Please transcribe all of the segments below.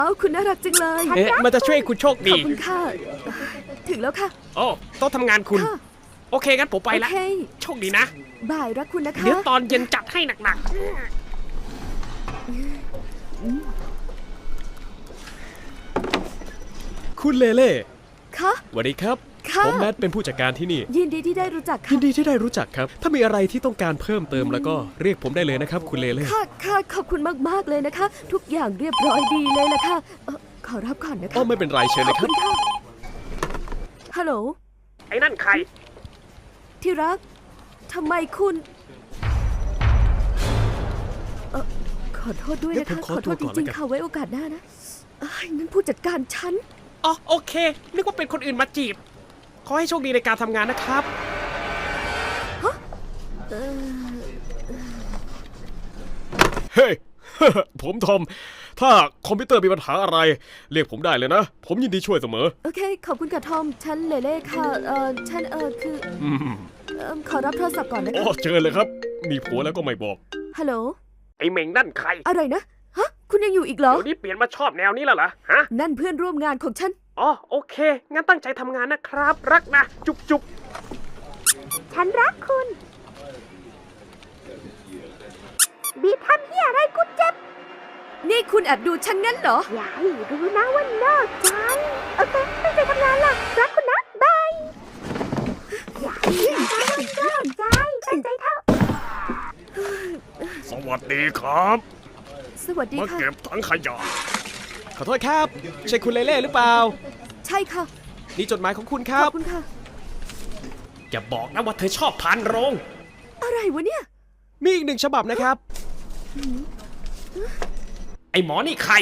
อ้าวคุณน่ารักจังเลยมันจะช่วยคุณโชคขดีอบคุณค่ะถึงแล้วค่ะโอ้โต๊ะทำงานคุณค่ะโอเคงั้นผมไปโอละเคโชคดีนะบ่ายรักคุณนะคะเดี๋ยวตอนเย็นจัดให้หนักๆคุณเลเล่ค่ะสวัสดีครับค่ะผมแมทเป็นผู้จัดการที่นี่ยินดีที่ได้รู้จักยิค่ะนดีที่ได้รู้จักครับ ถ้ามีอะไรที่ต้องการเพิ่มเติมแล้วก็เรียกผมได้เลยนะครับ คุณเลเล่ค่ะค่ะขอบคุณมากๆเลยนะคะ ทุกอย่างเรียบร้อยดีเลยละค่ะขอรับก่อนนะคะอ๋อไม่เป็นไรเชิญขเลอบยคคุรับณค่ะฮัลโหลไอ้นั่นใครที่รักทำไมคุณขอโทษด้วยเดี๋นะยวผมคะขอขอโทษตัวจก่อนริงแล้วกันๆค่ะไว้โอกาสหน้านะนั่นผู้จัดการฉันอ๋อโอเค นึกว่าเป็นคนอื่นมาจีบ ขอให้โชคดีในการทำงานนะครับ เฮ้ย ผมทอม ถ้าคอมพิวเตอร์มีปัญหาอะไร เรียกผมได้เลยนะ ผมยินดีช่วยเสมอโอเค ขอบคุณค่ะทอม ฉันเลเล่ค่ะ ฉันคือ ขอรับโทรศัพท์ก่อนนะโอ้คะเจอเลยครับ มีผัวแล้วก็ไม่บอกฮัลโหลไอ้เหม่งนั่นใครอะไรนะ ฮะ คุณยังอยู่อีกเหรอเดี๋ยวนี้เปลี่ยนมาชอบแนวนี้แล้วเหรอ ฮะนั่นเพื่อนร่วมงานของฉันอ๋อโอเค งั้นตั้งใจทำงานนะครับ รักนะ จุ๊บจุ๊บฉันรักคุณ บีทำเหี้ยอะไรกูเจ็บ นี่คุณแอบดูฉันงั้นเหรอ อย่าให้รู้นะว่านอกใจ โอเค ตั้งใจทำงานล่ะ รักคุณนะ บาย อย่าให้รู้นะว่านอกใจ ตั้งใจเถอะสวัสดีครับสวัสดีมาค่ะเก็บถังขยะ ขอโทษครับ ใช่คุณเลเล่หรือเปล่าใช่ค่ะนี่จดหมายของคุณคขรัอบบคุณค่ะอย่าบอกนะว่าเธอชอบพานโรงอะไรวะเนี่ยมีอีกหนึ่งฉบับนะครับ ไอหมอนี่ใคร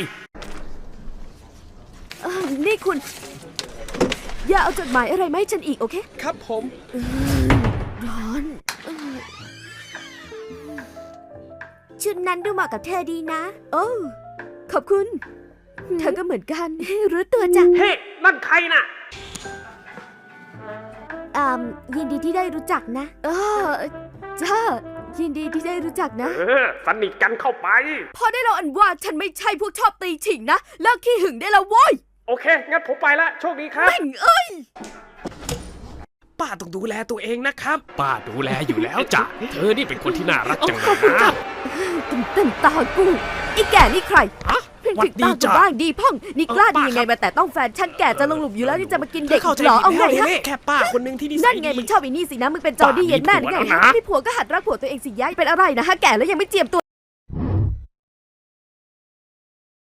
นี่คุณ อย่าเอาจดหมายอะไรมาให้ฉันอีกโอเคครับผมร้อนชุดนั้นดูเหมาะกับเธอดีนะ โอ้ขอบคุณ เธอก็เหมือนกัน รู้ตัวจ้ะเฮ้ นั่นใครน่ะยินดีที่ได้รู้จักนะจ้ายินดีที่ได้รู้จักนะสนิทกันเข้าไปพอได้เราอันว่าฉันไม่ใช่พวกชอบตีฉิงนะเลิกขี้หึงได้แล้วโว้ยโอเค งั้นผมไปละ โชคดีครับแม่งเอ้ยป้าต้องดูแลตัวเองนะครับ ป้าดูแลอยู่แล้วจ้ะ เธอนี่เป็นคนที่น่ารักจังเลยนะเต็มตากูไอ้แก่นี่ใครฮะเพ่งหวัถึดงดีตากูจ้ะบ้างดีพ่องนี่กล้าดีป้ายังไงมาแต่ต้องแฟนฉันแก่จะลงหลุมอยู่แล้วนี่จะมากินเด็กเข้าใจเหรอเอาผิดไงแล้วฮะเละแค่ป้าคนหนึ่งที่นิสันั่ยนไงดีมึงชอบไอ้นี่สินะมึงเป็นจอร์ดี้ป้ามีเย็นแม่ผัวไงแล้วนะมีผัวก็หัดรักผัวตัวเองสิย้ายเป็นอะไรนะฮะแก่แล้วยังไม่เจียมตัว